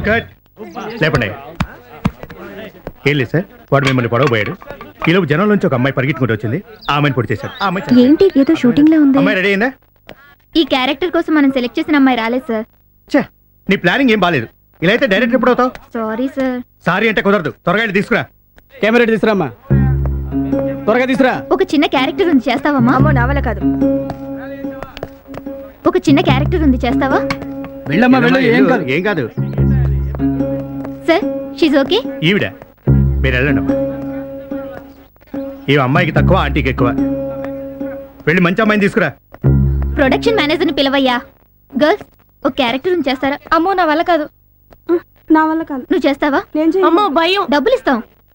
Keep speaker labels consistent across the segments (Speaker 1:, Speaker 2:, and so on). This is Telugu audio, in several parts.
Speaker 1: లేపండి. ఏం లేదు సార్, వాడు మిమ్మల్ని పొడవబోయాడు. ఈలోపు జనం నుంచి ఒక అమ్మాయి పరిగెత్తుకుంటూ వచ్చింది. ఆ అమ్మాయిని పొడి చేశాడు. ఆ అమ్మాయి
Speaker 2: ఏంటి ఏదో షూటింగ్ లో ఉంది.
Speaker 1: అమ్మాయి రెడీ అయిందా?
Speaker 2: ఈ క్యారెక్టర్ కోసం మనం సెలెక్ట్ చేసిన అమ్మాయి రాలేదు సార్.
Speaker 1: ఛే, నీ ప్లానింగ్ ఏం బాలేదు. ఇలా అయితే డైరెక్టర్ ఎప్పుడు అవుతావు?
Speaker 2: Sorry sir.
Speaker 1: సారీ అంటే కుదరదు. త్వరగా వెళ్ళి తీసుకురా.
Speaker 3: కెమెరా తీసుకురామ్మా, త్వరగా తీసుకురా.
Speaker 2: ఒక చిన్న క్యారెక్టర్ ఉంది, చేస్తావమ్మా?
Speaker 4: అమ్మో నా వల్ల కాదు.
Speaker 2: ఒక చిన్న క్యారెక్టర్ ఉంది, చేస్తావా?
Speaker 3: వెళ్ళమ్మా వెళ్ళు, ఏం కాదు.
Speaker 1: ఏం కాదు
Speaker 2: సార్, షీజ్ ఓకే.
Speaker 1: ఈవిడ మీరు వెళ్ళండి అమ్మా. ఈ అమ్మాయికి తక్కువ, ఆంటీకి ఎక్కువ. వెళ్ళి మంచి అమ్మాయిని తీసుకురా.
Speaker 2: ప్రొడక్షన్ మేనేజర్ని పిలవయ్యా. గర్ల్స్, ఒక క్యారెక్టర్ ఉంది, చేస్తారా?
Speaker 4: అమ్మో నా వల్ల కాదు. నా వల్ల కాదు.
Speaker 2: నువ్వు చేస్తావా?
Speaker 4: నేను చేయను. అమ్మో భయం.
Speaker 2: డబ్బులు ఇస్తాం.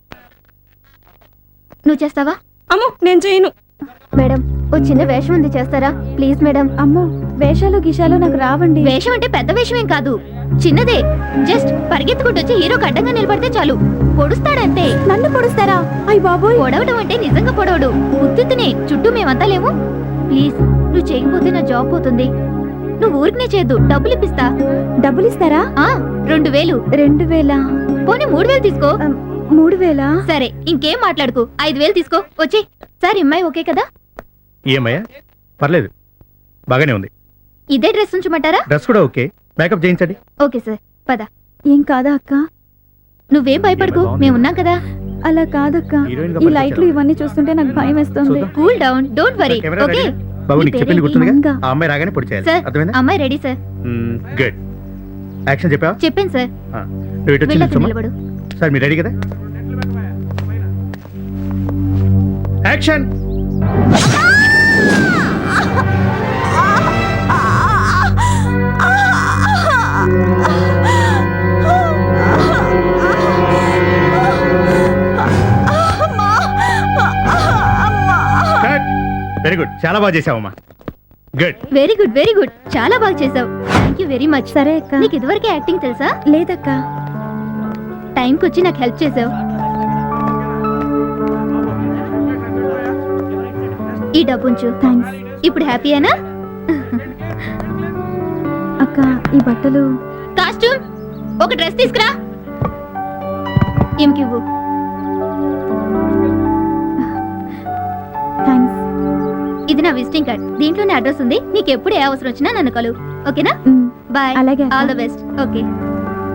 Speaker 2: నువ్వు చేస్తావా?
Speaker 4: అమ్మో నేను చేయను.
Speaker 2: మేడం, ఓ చిన్న వేషం ఉంది, చేస్తారా? Please madam.
Speaker 4: అమ్మో వేషాలు గిషాలు నాకు రావండి.
Speaker 2: వేషం అంటే పెద్ద వేషం ఏం కాదు, చిన్నదే. జస్ట్ పరిగెత్తుకుంటూ వచ్చి హీరోకి అడ్డంగా నిలబడితే చాలు, పొడుస్తాడంతే.
Speaker 4: నన్ను పొడుస్తారా? అయ్య బాబోయ్.
Speaker 2: పొడవడం అంటే నిజంగా పొడవడు, ఉత్తునే. చుట్టూ మేమంతా లేము. ప్లీజ్, నువ్వు చేయకపోతే నా జాబ్ పోతుంది. నువ్వు ఊరికనే చేయద్దు, డబ్బులు ఇప్పిస్తా.
Speaker 4: డబ్బులు ఇస్తారా?
Speaker 2: 2000.
Speaker 4: 2000?
Speaker 2: పోనీ 3000 తీసుకో.
Speaker 4: 3000?
Speaker 2: సరే, ఇంకేం మాట్లాడుకు. 5000 తీసుకో. వచ్చి. సార్, అమ్మాయి ఓకే కదా?
Speaker 1: ఏమయ్యా? పర్లేదు, బాగానే ఉంది.
Speaker 2: ఇదే డ్రెస్ ఉంచమంటారా?
Speaker 1: డ్రెస్ కూడా ఓకే. మేకప్ చేయించండి.
Speaker 2: ఓకే సార్, పద.
Speaker 4: ఏం కాదా అక్క?
Speaker 2: నువ్వేం భయపడకు, మేమున్నాం కదా.
Speaker 4: అలా కాదక్క,
Speaker 1: హీరోయిన్ గా
Speaker 4: ఈ లైట్లు ఇవన్నీ చూస్తుంటే నాకు భయం వేస్తుంది.
Speaker 1: చూద్దాం.
Speaker 2: Cool down, don't worry.
Speaker 1: Camera
Speaker 2: okay.
Speaker 1: Ready? బాబు, నీకు
Speaker 2: నీ
Speaker 1: చెప్పింది
Speaker 2: పేరేంటి?
Speaker 1: గుర్తుందిగా?
Speaker 4: మంగా.
Speaker 1: ఆ అమ్మాయి రాగానే పొడి చేయాలి.
Speaker 2: సార్,
Speaker 1: అర్థమైందా?
Speaker 2: అమ్మాయి రెడీ సార్.
Speaker 1: గుడ్. యాక్షన్ చెప్పావా?
Speaker 2: చెప్పాను సార్.
Speaker 1: నువ్వు ఇటు వచ్చి
Speaker 2: వెళ్ళక
Speaker 1: నిల్చోమ్మా.
Speaker 2: నిలబడు.
Speaker 1: సార్, మీరు రెడీ కదా? యాక్షన్. వెరీ గుడ్, చాలా బాగా చేసావమ్మా. Good.
Speaker 2: Very good, very good. చాలా బాగా చేసావు. Thank you very much.
Speaker 4: సరే అక్క.
Speaker 2: నీకు ఇదివరకే యాక్టింగ్ తెలుసా?
Speaker 4: లేదక్క.
Speaker 2: టైంకి వచ్చి నాకు హెల్ప్ చేసావు. ఈ డబ్బు ఉంచు.
Speaker 4: థ్యాంక్స్
Speaker 2: ఇప్పుడు హ్యాపీయేనా?
Speaker 4: అక్క. ఈ బట్టలు.
Speaker 2: కాస్ట్యూమ్, ఒక డ్రెస్ తీసుకురా. ఏమికివ్వు.
Speaker 4: థ్యాంక్స్.
Speaker 2: ఇది నా విజిటింగ్ కార్డ్, దీంట్లోనే అడ్రస్ ఉంది. నీకు ఎప్పుడు ఏ అవసరం వచ్చినా నన్ను కలువు. ఓకేనా? బాయ్.
Speaker 4: అలాగే అక్క.
Speaker 2: All the best. ఓకే.